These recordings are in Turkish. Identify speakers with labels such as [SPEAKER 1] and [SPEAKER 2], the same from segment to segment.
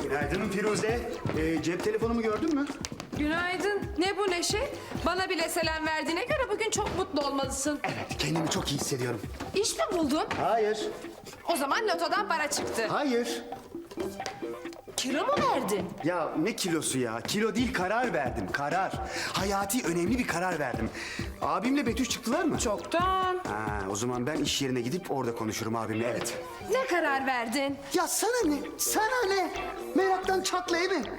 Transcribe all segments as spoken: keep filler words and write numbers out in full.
[SPEAKER 1] Günaydın Firuze. Ee, cep telefonumu gördün mü?
[SPEAKER 2] Günaydın. Ne bu neşe? Bana bile selam verdiğine göre bugün çok mutlu olmalısın.
[SPEAKER 1] Evet, kendimi çok iyi hissediyorum.
[SPEAKER 2] İş mi buldun?
[SPEAKER 1] Hayır,
[SPEAKER 2] O zaman lotodan para çıktı.
[SPEAKER 1] hayır.
[SPEAKER 2] Kilo mu verdin?
[SPEAKER 1] Ya ne kilosu ya? Kilo değil, karar verdim, karar. Hayati önemli bir karar verdim. Abimle Betüş çıktılar mı?
[SPEAKER 2] Çoktan.
[SPEAKER 1] Ha, o zaman ben iş yerine gidip orada konuşurum abimle, evet.
[SPEAKER 2] Ne karar verdin?
[SPEAKER 1] Ya sana ne? Sana ne? Meraktan çatlayı mı?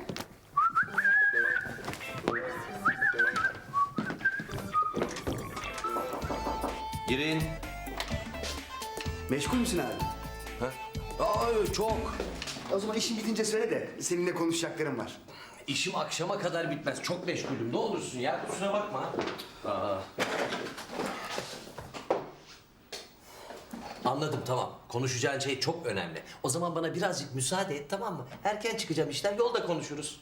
[SPEAKER 3] Girin.
[SPEAKER 1] Meşgul müsün abi?
[SPEAKER 3] Ha? Aa, çok.
[SPEAKER 1] O zaman işin bitince söyle de seninle konuşacaklarım var.
[SPEAKER 3] İşim akşama kadar bitmez. Çok meşgulüm. Ne olursun ya. Kusura bakma. Aa. Anladım, tamam. Konuşacağın şey çok önemli. O zaman bana birazcık müsaade et, tamam mı? Erken çıkacağım işten. Yolda konuşuruz.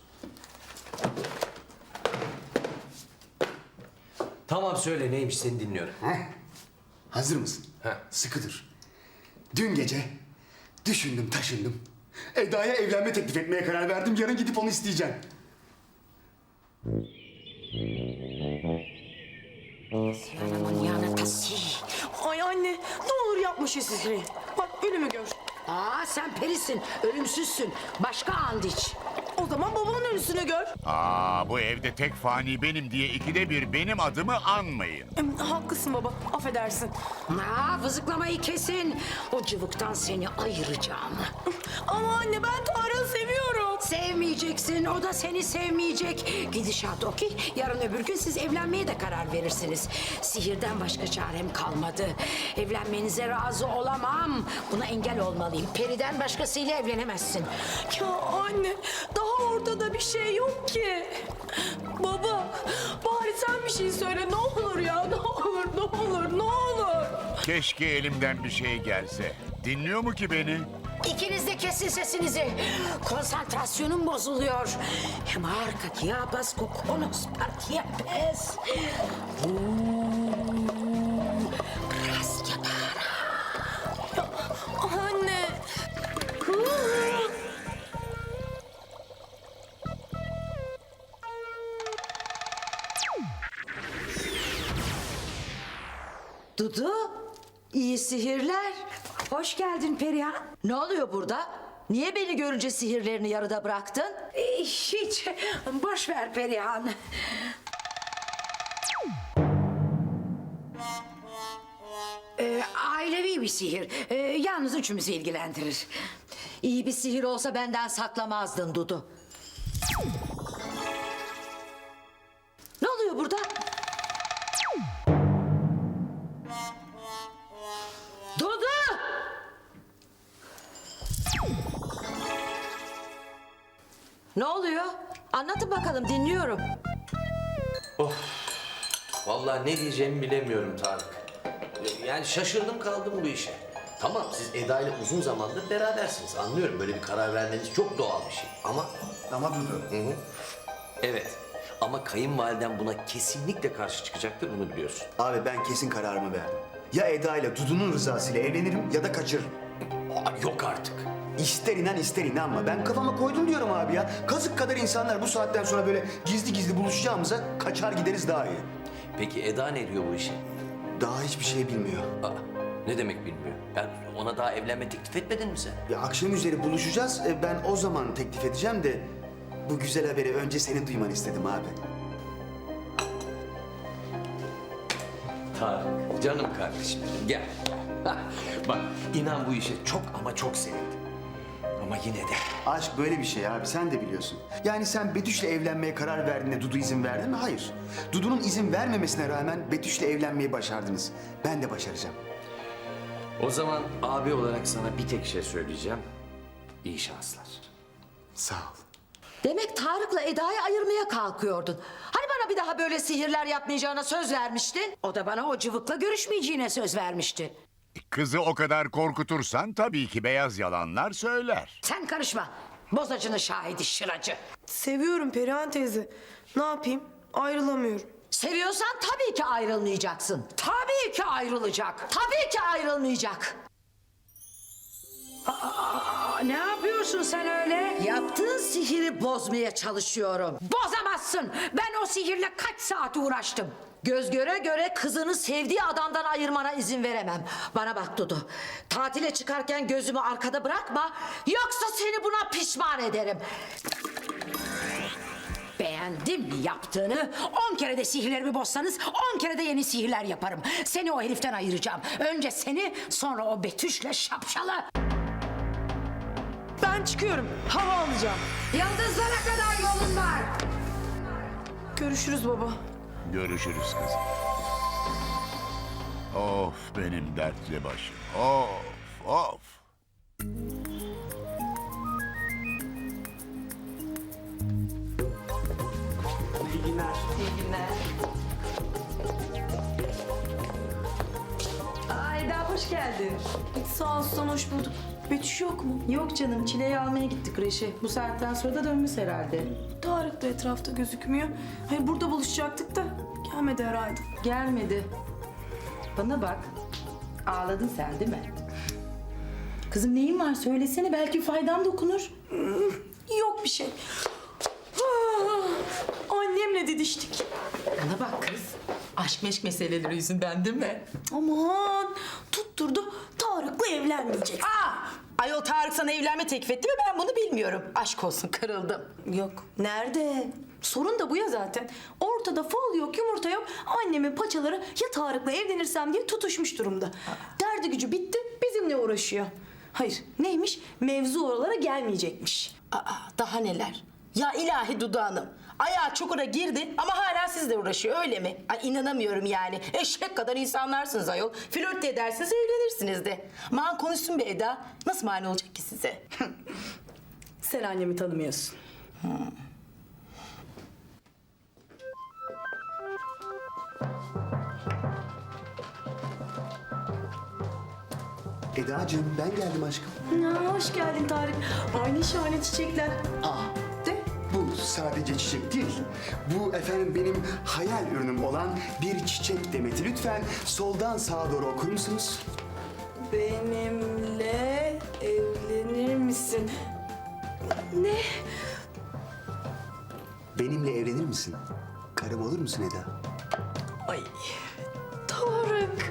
[SPEAKER 3] Tamam, söyle neymiş, seni dinliyorum.
[SPEAKER 1] Heh. Hazır mısın?
[SPEAKER 3] Heh.
[SPEAKER 1] Sıkı dur. Dün gece düşündüm taşındım. Eda'ya evlenme teklif etmeye karar verdim. Yarın gidip onu isteyeceğim.
[SPEAKER 4] Ay anne, ne olur yapma şu sihri. Bak ölümü gör.
[SPEAKER 5] Aa sen perisin, ölümsüzsün. Başka and iç.
[SPEAKER 4] O zaman babamın ölüsünü gör.
[SPEAKER 6] Aa, bu evde tek fani benim diye ikide bir benim adımı anmayın.
[SPEAKER 4] Em, haklısın baba, affedersin.
[SPEAKER 5] Aa vızıklamayı kesin. O cıvıktan seni ayıracağım.
[SPEAKER 4] Ama anne ben Tarık'ı seviyorum.
[SPEAKER 5] Sevmeyeceksin, o da seni sevmeyecek. Gidişat o ki yarın öbür gün siz evlenmeye de karar verirsiniz. Sihirden başka çarem kalmadı. Evlenmenize razı olamam. Buna engel olmalıyım. Periden başkasıyla evlenemezsin.
[SPEAKER 4] Ya anne, daha ortada bir şey yok ki. Baba, bari sen bir şey söyle ne olur ya. Ne olur, ne olur, ne olur.
[SPEAKER 6] Keşke elimden bir şey gelse. Dinliyor mu ki beni?
[SPEAKER 5] İkiniz de kesin sesinizi. Konsantrasyonum bozuluyor. Hem arka diabas kokonos partiapes.
[SPEAKER 4] Anne.
[SPEAKER 5] Dudu, iyi sihirler. Hoş geldin Perihan. Ne oluyor burada? Niye beni görünce sihirlerini yarıda bıraktın? Ee, hiç. Boş ver Perihan. Ee, ailevi bir sihir. Ee, yalnız üçümüzü ilgilendirir. İyi bir sihir olsa benden saklamazdın Dudu. Ne oluyor burada? Dudu! Ne oluyor? Anlatın bakalım, dinliyorum.
[SPEAKER 3] Vallahi ne diyeceğimi bilemiyorum Tarık. Yani şaşırdım kaldım bu işe. Tamam, siz Eda ile uzun zamandır berabersiniz. Anlıyorum, böyle bir karar vermeniz çok doğal bir şey. Ama
[SPEAKER 1] Ama Dudu.
[SPEAKER 3] Hı hı. Evet. Ama kayınvaliden buna kesinlikle karşı çıkacaktır, bunu biliyorsun.
[SPEAKER 1] Abi ben kesin kararımı verdim. Ya Eda ile Dudu'nun rızasıyla evlenirim ya da kaçırırım.
[SPEAKER 3] Aa, yok artık.
[SPEAKER 1] İster inan ister inanma. Ben kafama koydum diyorum abi ya. Kazık kadar insanlar bu saatten sonra böyle gizli gizli buluşacağımıza kaçar gideriz daha iyi.
[SPEAKER 3] Peki Eda ne diyor bu işe?
[SPEAKER 1] Daha hiçbir şey bilmiyor.
[SPEAKER 3] Aa, ne demek bilmiyor? Yani ona daha evlenme teklif etmedin mi sen?
[SPEAKER 1] Ya akşam üzeri buluşacağız. E, Ben o zaman teklif edeceğim de bu güzel haberi önce senin duymanı istedim abi.
[SPEAKER 3] Tarık, canım kardeşim benim, gel. Hah, bak, inan bu işe çok ama çok sevindim. Ama yine de
[SPEAKER 1] Aşk böyle bir şey abi, sen de biliyorsun. Yani sen Betüş'le evlenmeye karar verdiğinde Dudu izin verdi mi? Hayır. Dudu'nun izin vermemesine rağmen Betüş'le evlenmeyi başardınız. Ben de başaracağım.
[SPEAKER 3] o zaman abi olarak sana bir tek şey söyleyeceğim. İyi şanslar.
[SPEAKER 1] Sağ ol.
[SPEAKER 5] Demek Tarık'la Eda'yı ayırmaya kalkıyordun. Hani bana bir daha böyle sihirler yapmayacağına söz vermiştin? O da bana o cıvıkla görüşmeyeceğine söz vermişti.
[SPEAKER 6] Kızı o kadar korkutursan tabii ki beyaz yalanlar söyler.
[SPEAKER 5] Sen karışma. Bozacının şahidi şıracı.
[SPEAKER 4] Seviyorum Perihan teyze. Ne yapayım? Ayrılamıyorum.
[SPEAKER 5] Seviyorsan tabii ki ayrılmayacaksın. Tabii ki ayrılacak. Tabii ki ayrılmayacak. Aa, Aa, ne yapıyorsun sen öyle? Yaptığın sihiri bozmaya çalışıyorum. Bozamazsın. Ben o sihirle kaç saat uğraştım. Göz göre göre kızını sevdiği adamdan ayırmana izin veremem. Bana bak Dudu. Tatile çıkarken gözümü arkada bırakma. Yoksa seni buna pişman ederim. Beğendim mi yaptığını? On kere de sihirlerimi bozsanız on kere de yeni sihirler yaparım. Seni o heriften ayıracağım. Önce seni, sonra o Betüş'le şapşalı.
[SPEAKER 4] Ben çıkıyorum. Hava alacağım.
[SPEAKER 5] Yıldızlara kadar yolun var.
[SPEAKER 4] Görüşürüz baba.
[SPEAKER 6] Görüşürüz kızım. Of benim dertli başım. Of of.
[SPEAKER 7] Ayda hoş geldin.
[SPEAKER 4] Sağ ol Suzan, hoş bulduk. Betüş yok mu?
[SPEAKER 7] Yok canım, Çile'yi almaya gittik kreşe. Bu saatten sonra da dönmüş herhalde.
[SPEAKER 4] Tarık da etrafta gözükmüyor. Hayır, burada buluşacaktık da gelmedi herhalde.
[SPEAKER 7] Gelmedi. Bana bak, ağladın sen değil mi? Kızım neyin var söylesene, belki faydam dokunur.
[SPEAKER 4] Yok bir şey. Ah, annemle didiştik.
[SPEAKER 7] Bana bak kız, aşk meşk meseleleri yüzünden değil mi?
[SPEAKER 4] Aman tutturdu, Tarık'la evlenmeyecek.
[SPEAKER 7] Aa! Ayol Tarık sana evlenme teklif etti ve ben bunu bilmiyorum. Aşk olsun, kırıldım.
[SPEAKER 4] Yok, nerede? Sorun da bu ya zaten. Ortada fol yok, yumurta yok. Annemin paçaları ya Tarık'la evlenirsem diye tutuşmuş durumda. Derdi gücü bitti, bizimle uğraşıyor. Hayır, neymiş? Mevzu oralara gelmeyecekmiş.
[SPEAKER 7] Aa, daha neler? Ya ilahi Dudu Hanım. Ayağı çukura girdi ama hala sizle uğraşıyor öyle mi? Ay inanamıyorum yani. Eşek kadar insanlarsınız ayol. Flört de edersiniz evlenirsiniz de. Man konuşsun be Eda. Nasıl mani olacak ki size?
[SPEAKER 4] Sen annemi tanımıyorsun.
[SPEAKER 1] Edacığım ben geldim aşkım.
[SPEAKER 4] Ya, hoş geldin Tarık. Aynı şahane çiçekler.
[SPEAKER 1] Aa,
[SPEAKER 4] De.
[SPEAKER 1] bu sadece çiçek değil. Bu efendim benim hayal ürünüm olan bir çiçek demeti. Lütfen soldan sağa doğru okur musunuz?
[SPEAKER 4] Benimle evlenir misin? Ne?
[SPEAKER 1] Benimle evlenir misin? Karım olur musun Eda?
[SPEAKER 4] Ay, Tarık.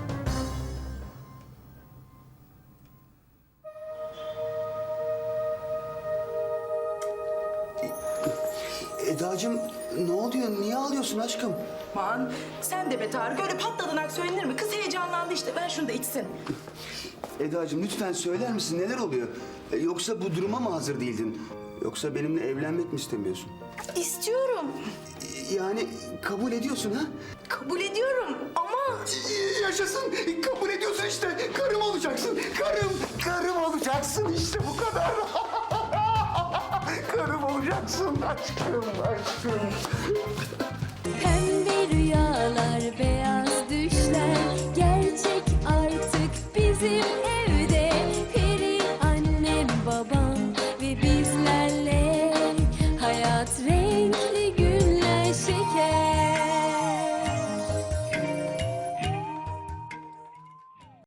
[SPEAKER 1] Edacığım ne oluyor? Niye ağlıyorsun aşkım?
[SPEAKER 7] Man sen de be Tarık öyle patladınak söylenir mi? Kız heyecanlandı işte ver şunu da içsin.
[SPEAKER 1] Edacığım lütfen söyler misin neler oluyor? E, Yoksa bu duruma mı hazır değildin? Yoksa benimle evlenmek mi istemiyorsun?
[SPEAKER 4] İstiyorum.
[SPEAKER 1] E, Yani kabul ediyorsun ha?
[SPEAKER 4] Kabul ediyorum ama...
[SPEAKER 1] E, Yaşasın. Kabul ediyorsun işte. Karım olacaksın. Karım. Karım olacaksın işte bu kadar. Karım olacaksın aşkım aşkım.